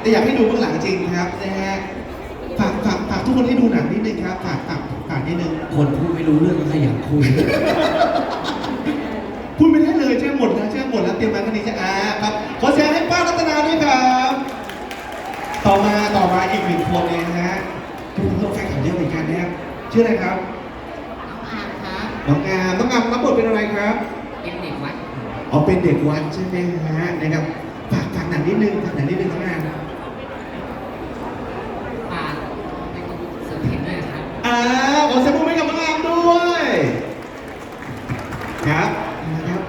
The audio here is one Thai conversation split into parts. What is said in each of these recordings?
แต่อยากให้ดูเบื้องหลังจริงครับนะฮะฝากทุกคนให้ดูหนังนิดนึงครับฝากนิดนึงคนพูดไม่รู้เรื่องก็ขยันคุยพูดไม่ได้เลยเชื่อหมดแล้วเตรียมมากันนี้จะครับขอเสียงให้ป้ารัตนาด้วยครับต่อมาอีกหนึ่งคนเลยนะฮะคุณผู้ชมแฟนคลับเยอะเหมือนกันนะครับชื่ออะไรครับน้องอามรับบทเป็นอะไรครับเป็นเด็กวัดอ๋อเป็นเด็กวัดใช่ไหมฮะนะครับฝากหนังนิดนึงน้องอามเป็นเสือเพ่นด้วยครับขอเสียงปรบมือให้กับน้องอามด้วยครับนะครับ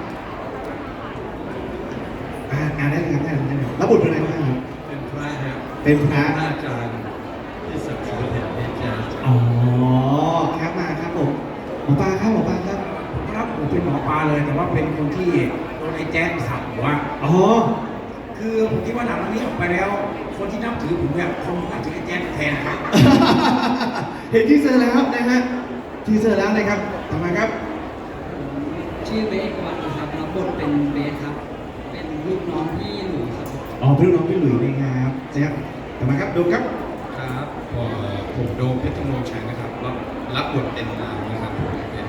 ได้เลยครับได้เลยรับบทเป็นอะไรบ้างครับเป็นพระครับเป็นพระอาจารย์ที่ศักดิ์สิทธิ์เห็นแจ๊สอ๋อครับมาครับผมหมอปลาครับครับผมเป็นหมอปลาเลยแต่ว่าเป็นคนที่โดนไอ้แจ๊สสับหัวอ๋อคือผมคิดว่าหนังเรื่องนี้ออกไปแล้ว คนที่นับถือผมเนี่ยคงนับถือไอ้แจ๊สแทนนะครับเห็นทีเซอร์แล้วนะฮะทีเซอร์แล้วนะครับต่อมาครับชื่อเบสวัดนะครับรับบทเป็นเบสครับเป็นลูกน้องพี่หลุยครับอ๋อเป็นลูกน้องพี่หลุยนะครับเจ๊ต่อมาครับดูครับครับผมโดมเพชรธงชัยนะครับรับบทเป็นนะครับเป็น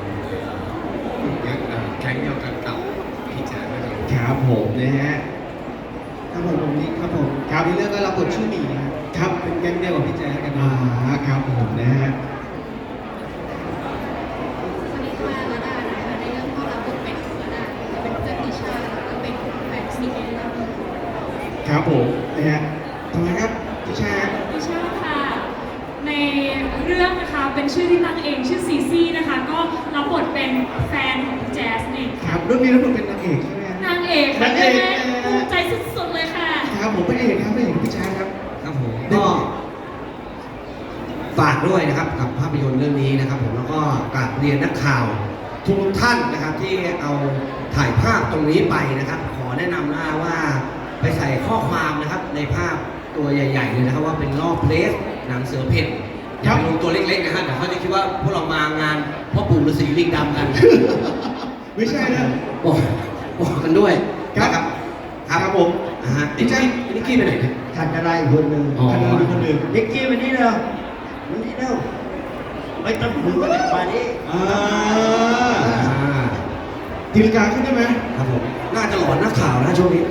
แก๊งเดียวกันกับพี่แจ๊สนะครับครับผมนะฮะครับผมนี่ครับผมครับในเรื่องก็รับบทชื่อหมีครับเป็นแก๊งเดียวกับพี่แจ๊สกันครับผมนะฮะสวัสดีค่ะระดานะคะในเรื่องก็รับบทเป็นระดาเป็นเพื่อนติชาแล้วก็เป็นแฟนซีเอ็นครับผมนะฮะต่อมาครับติชาค่ะในเรื่องนะคะเป็นชื่อที่ตั้งเองชื่อซีซี่นะคะก็รับบทเป็นแฟนของแจ๊สนี่ครับเรื่องนี้รับบทเป็นนางเอกใช่ไหมนางเอกค่ะภูมิใจสุดๆเลยค่ะครับผมพระเอกครับพี่ชาครับครับผมก็ฝากด้วยนะครับกับภาพยนตร์เรื่องนี้นะครับผมแล้วก็กราบเรียนนักข่าวทุกท่านนะครับที่เอาถ่ายภาพตรงนี้ไปนะครับ ขอแนะนำนะว่าไปใส่ข้อความนะครับในภาพตัวใหญ่ๆเลยนะครับว่าเป็นรอบเพลสหนังเสือเพ่นอย่าไปลงตัวเล็กๆนะฮะเดี๋ยวเขาจะคิดว่าพวกเรามางานพ่อปู่ฤาษีลิงดำกันไม่ใช่นะบอกกันด้วยครับครับผมนิกกี้ไปไหนเนี่ยขันอะไรคนหนึ่งนิกกี้วันนี้เร็วไม่ต้องมือกันมานี้ตีลังกาขึ้นได้ไหมครับผมน่าจะหลอนนักข่าวนะช่วงนี้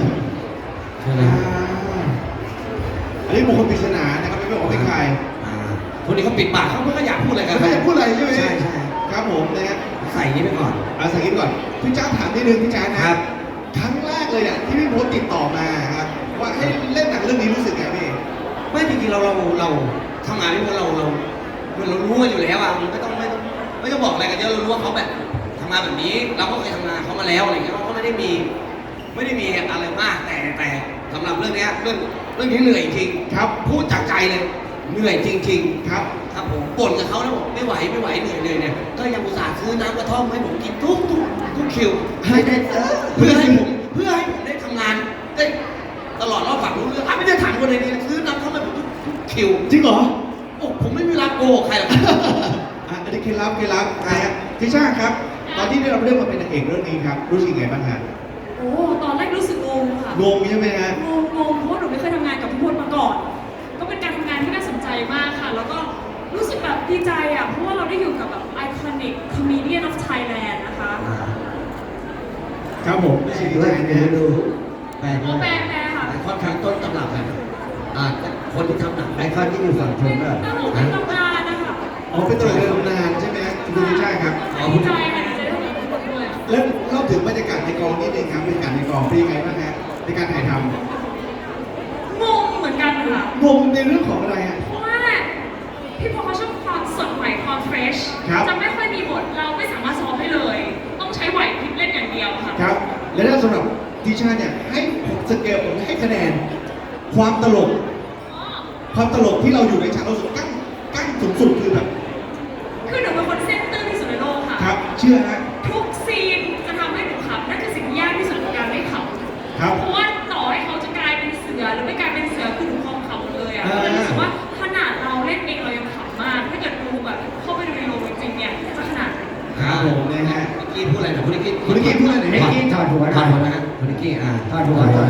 อันนี้บุคคลปริศนานะครับไม่บอกว่าเป็นใครคนนี้เขาปิดปากเขาไม่อยากพูดอะไรกันไม่อยากพูดอะไรใช่ไหมใช่ครับผมนะฮะใส่นี้ไปก่อนใส่นี้ก่อนพี่จ้าถามนิดนึงพี่จ้านะครับครั้งแรกเลยเนี่ยที่พี่โพสติดต่อมาครับว่าให้เล่นหนังเรื่องนี้รู้สึกไงพี่ไม่จริงๆเราทำงานนี่เรารู้กันอยู่แล้วอ่ะมันไม่ต้องบอกอะไรกันเยอะเรารู้ว่าเขาแบบทำงานแบบนี้เราก็เคยทำงานเขามาแล้วอะไรเงี้ยเขาก็ไม่ได้มีอะไรมากแต่สำหรับเรื่องนี้เรื่องนี้เหนื่อยจริงครับพูดจากใจเลยเหนื่อยจริงๆครับผมบ่นกับเขาแล้วบอกไม่ไหวเหนื่อยเนี่ยก็ยังอุตส่าห์ซื้อน้ำกระท่อมให้ผมกินทุกคิวให้ได้เพื่อให้ผมได้ทำงานได้ตลอดรอบฝังรู้เรื่องไม่ได้ถามคนไหนนี่ซื้อน้ำกระท่อมให้ผมทุกคิวจริงเหรอโอ้ผมไม่มีเวลาโกหกใครหรอกอันนี้เคล็ดลับนะฮะพี่ชาครับตอนที่ได้รับเรื่องมาเป็นนางเอกเรื่องนี้ครับรู้สึกไงบ้างฮะโอ้ตอนแรกรู้สึกงงค่ะงงใช่ไหมฮะงงเพราะหนูไม่เคยทำงานกับพี่พลมาก่อนก็เป็นการทำงานที่น่าสนใจมากค่ะแล้วก็รู้สึกแบบดีใจอ่ะเพราะว่าเราได้อยู่กับแบบ iconic comedian of Thailand นะคะครับผมด้วยดูแปลค่ะค่อนข้างต้นตำรับกันคนที่ทำหนังไอคอนที่อยู่ฝั่งทนก็เป็นตำนานนะคะเป็นตัวเรือตำนานใช่ไหมคุณพี่ชาครับดีใจค่ะดีใจที่ได้ทำด้วยแล้วเล่าถึงบรรยากาศในกองนิดนึงครับบรรยากาศในกองเป็นยังไงบ้างฮะในการถ่ายทำงงเหมือนกันค่ะงงในเรื่องของอะไรฮะเพราะว่าพี่พอเขาชอบความสดใหม่ความเฟรชจะไม่ค่อยมีบทเราไม่สามารถซ้อมได้เลยต้องใช้ไหวพริบเล่นอย่างเดียวค่ะครับและถ้าสำหรับดิชาเนี่ยให้สเกลผมให้คะแนนความตลกที่เราอยู่ในฉากเราสุดกั้งสุดคือแบบคือหนูเป็นคนเส้นตื้นที่สุดในโลกค่ะครับเชื่อฮะทุกซีนจะทำให้หนูขำนั่นคือสิ่งที่ยากที่สุดในการไม่ขำครับเพราะว่าต่อให้เขาจะกลายเป็นเสือหรือไม่กลายเป็นเสือคือหนูคงขำเลยอ่ะแต่รู้สึกว่าขนาดเราเล่นเองเรายังขำมากถ้าเกิดดูแบบเข้าไปดูในโรงจริงเนี่ยจะขนาดครับผมนะฮะนิกกี้พูดอะไรนะคุณนิกกี้พูดอะไรนิกกี้ถอดหัวนะฮะคุณนิกกี้ถอดหัว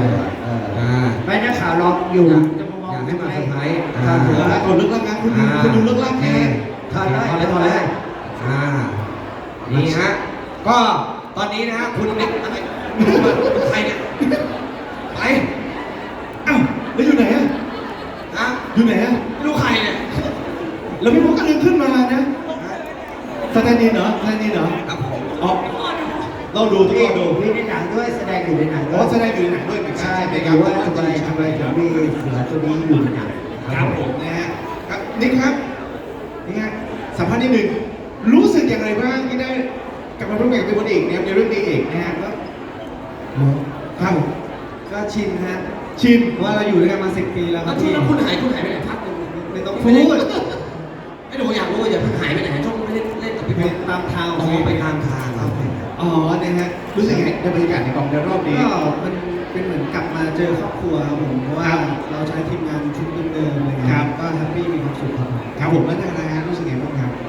ไม่นักข่าวรออยู่อยากให้มาเซอร์ไพรส์ครับผมแล้วก่อนเลิกรักนะคุณดูเลิกรักไงถอดเลยนี่ฮะก็ตอนนี้นะฮะคุณเล็กอะไรใครเนี่ยไปเอ้าแล้วอยู่ไหนอะฮะอยู่ไหนอะไม่รู้ใครเนี่ยแล้วพี่พงศ์ก็เดินขึ้นมานะสแตนดินเหรอสแตนดินเหรอครับผมอ๋อเราดูทุกคนดูมีในหนังด้วยแสดงอยู่ในหนังเพด้วยราะแสดงอยู่ในหนังด้วยเหมือนกันใช่ไหมไปคดูรับว่าทำไมถึงมีเสือตัวนี้อยู่ในหนังครับผมนะฮะครับนี่ครับนี่ฮะสัมภาษณ์นิดนึงรู้สึกอย่างไรบ้างที่ได้กลับมาร่วมงานกับพี่พลเอกนะครับในเรื่องนี้เอกนะฮะแล้วครับผมก็ชินฮะชินเพราะว่าเราอยู่ด้วยกันมา10 ปีแล้วคแล้รัวบที่พี่แล้วคุณหายไปไหนพักนึงไม่ต้องพูพูดดไม่รู้อยากรู้ว่าอย่าเพิ่งหายไปไหนช่วงไม่ได้เล่นกับพี่ไปเพชรตามทางอ๋อไปตามทางครับอ๋อนะฮะรู้สึกยังไงในบรรยากาศในกองในรอบนี้ก็มันเป็นเหมือนกลับมาเจอครอบครัวครับผมเพราะว่าเราใช้ทีมงานชุดเดิมๆอะไรเงี้ยครับก็แฮปปี้มีความสุขครับผมครับผมแล้วนะฮะรู้สึกยังไงบ้างครับ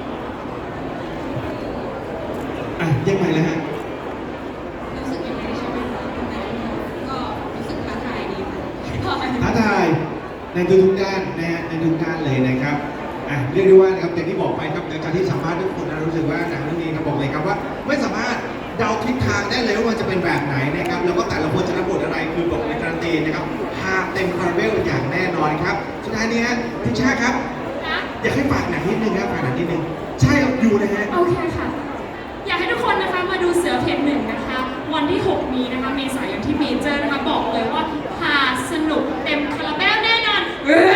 อ่ะยังไงแล้วฮะรู้สึกยังไงใช่ไหมคะก็รู้สึกท้าทายดีค่ะท้าทายในทุกๆด้านนะฮะในทุกด้านเลยนะครับอ่ะเรียกได้ว่านะครับอย่างที่บอกไปครับหลังจากที่สัมภาษณ์ทุกคนนะรู้สึกว่าหนังเรื่องนี้ครับบอกเลยครับว่าไม่สามารถเดาทิศทางได้เลยว่ามันจะเป็นแบบไหนนะครับแล้วก็แต่ละคนจะรับบทอะไรคือบอกในการันตีนะครับฮาเต็มคาราเบลอย่างแน่นอนครับสุดท้ายนี้ฮะพี่ชาครับนะอยากให้ฝากหนังนิดนึงครับฝากหนังนิดนึงใช่ครับอยู่นะฮะโอเคค่ะ อยากให้ทุกคนนะคะมาดูเสือเพนหนึ่งนะคะ วันที่ 6 นี้นะคะเมษายนที่เมเจอร์นะคะบอกเลยว่าหาสนุกเต็มคาราเบลแน่นอนเออ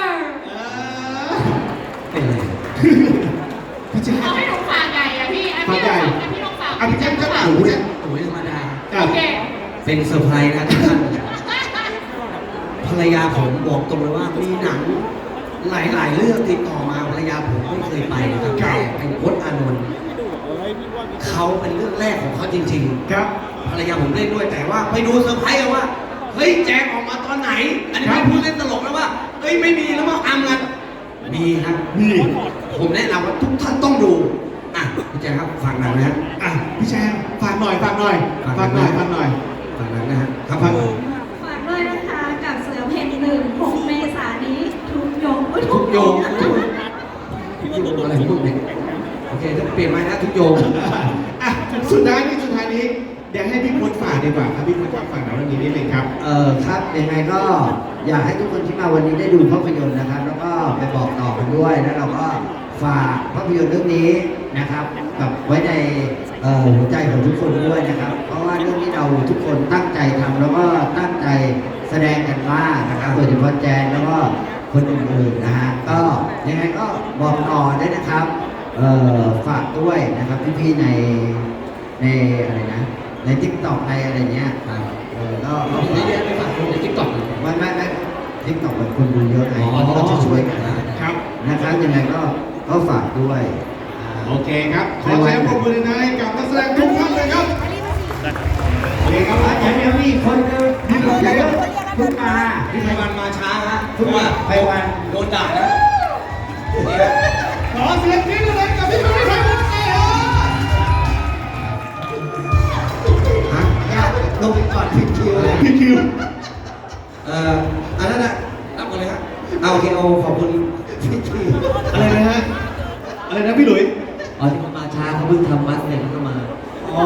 เป็นไรพี่ชาเอาให้หนูฝากใหญ่อะพี่อ่ะพี่ลองฝากอ่ะพี่ลองฝากอ่ะพี่แจ๊คก็ฝากโอ้พี่ยแจ๊คโอ้ยธรรมดาโอเคเป็นเซอร์ไพรส์นะทุกท่านภรรยาผมบอกตรงเลยว่ามีหนังหลายๆเรื่องติดต่อมาภรรยาผมไม่เคยไปนะครับแต่เป็นพจน์อานนท์เขาเป็นเรื่องแรกของเขาจริงครับๆภรรยาผมเล่นด้วยแต่ว่าไปดูเซอร์ไพรส์กันว่าเฮ้ยแจกออกมาตอนไหน อันนี้ไม่พูดเล่นตลกแล้วว่าเฮ้ยไม่มีแล้วว่าอำกันมีครับมีผมแนะนำว่าทุกท่านต้องดูอ่ะพี่แจคครับฟังหนังนะฮะอ่ะพี่แจ๊คฝากหน่อยฝากหน่อยฝากหน่อยฝากหน่อยฟังหนังนะฮะครับฝากผมฝากด้วยนะคะกับเสือเพน6 เมษายนนี้ทุกโยงทุกโยงทุกโยงอะไรของมึงเนี่ยโอเคต้องเปลี่ยนไม้นะทุกโยงอ่ะสุดท้ายนี้เดี๋ยวให้พี่พลฝากดีกว่าครับพี่พลครับฝากหนังเรื่องนี้นิดนึงครับครับยังไงก็อยากให้ทุกคนที่มาวันนี้ได้ดูภาพยนตร์นะครับ แล้วก็ไปบอกต่อกันด้วยแล้วเราก็ฝากภาพยนตร์เรื่องนี้นะครับกับไว้ในหัวใจของทุกคนด้วยนะครับ เพราะว่าเรื่องนี้เราทุกคนตั้งใจทำแล้วก็ตั้งใจแสดงกันมากนะครับโดยเฉพาะแจนแล้วก็คนอื่นๆนะฮะก็ยังไงก็บอกต่อด้วยนะครับฝากด้วยนะครับพี่ๆในอะไรนะในทิกตอกในอะไรเงี้ยก็เรามีเยอะไปฝากคนในทิกตอกไม่ทิกตอกแบบคนดูเยอะไงอ๋อเราจะช่วยกันครับนะครับยังไงก็ฝากด้วยโอเคครับ ขอเสียงปรบมือหน่อยกับนักแสดงทุกท่านเลยครับโอเคครับยังมีคนเดินมีคนเดินคุณมาพี่ไพวันมาช้าฮะทุกวันไปวันโดนด่านะขอเสียงนี้เลยกับพี่พลไพวันเลยครับฮะลงไปก่อนพิมพ์คิวเลยพี่คิวอันนั้นนะรับกันเลยฮะเอาโอเคเอาขอบคุณพี่คิวอะไรนะฮะอะไรนะพี่หลุยอ๋อที่เขามาช้าเขาเพิ่งทำวัดเนี่ยเขาก็มาอ๋อ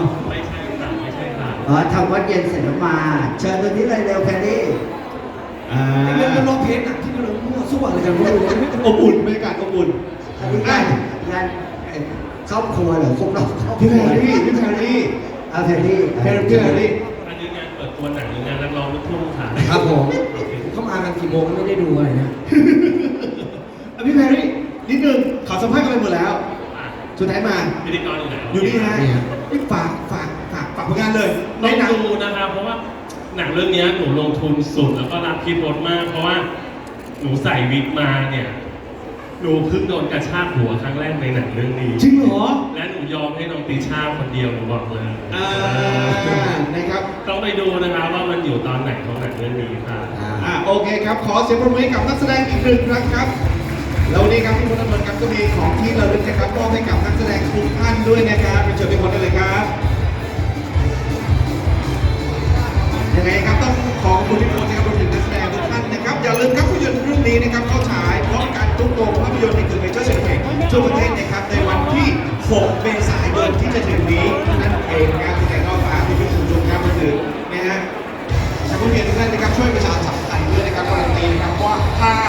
ทำวัดเย็นเสร็จแล้วมา เชิญตัวนี้เลยเร็วแค่นี้เรื่องร้องเพลงอ่ะที่มันมั่วซั่วอะไรกันไม่รู้เลยอบอุ่นบรรยากาศอบอุ่นอันนี้งานครอบครัวเหรอครบรอบครอบคพี่รัแพวรรี่พี่แพรรี่เอาแพรรี่พี่แพรรี่อันนี้งานเปิดตัวหนังหรืองานนักร้องลูกทุ่งค่ะครับผมเขามากันกี่โมงไม่ได้ดูอะไรนะพี่แพรรี่นิดนึงขอสัมภาษณ์กันไปหมดแล้วอ่ะสุดท้ายมาพิธีกรอยู่ไหนอยู่นี่ฮะฝากผลงานเลยในต้องหนังดูนะครับเพราะว่าหนังเรื่องนี้หนูลงทุนสุดแล้วก็รักพี่พจน์มาก เพราะว่าหนูใส่วิกมาเนี่ยหนูเพิ่งโดนกระชากหัวครั้งแรกในหนังเรื่องนี้จริงเหรอและหนูยอมให้น้องติช่าคนเดียวหนูบอกเลยนะครับต้องไปดูนะครับว่ามันอยู่ตอนไหนของหนังเรื่องนี้ค่ะโอเคครับ ขอเสียงปรบมือให้กับนักแสดงอีกหนึ่งครั้งครับ แล้ววันนี้ครับพี่พลนนท์ครับก็มีของที่ระลึกนะครับมอบให้กับนักแสดงทุกท่านด้วยนะครับเป็นเชิญทุกคนได้เลยครับยังไงครับต้องขขอบคุณพี่โมนะครับรวมถึงนักแสดงทุกท่านนะครับอย่าลืมครับภาพยนตร์เรื่องนี้นะครับเข้าฉายพร้อมกันทุกโรงภาพยนตร์ในคืนเมเจอร์เฉลิมพระเกียรติทั่วประเทศนะครับในวันที่ 6 เมษายน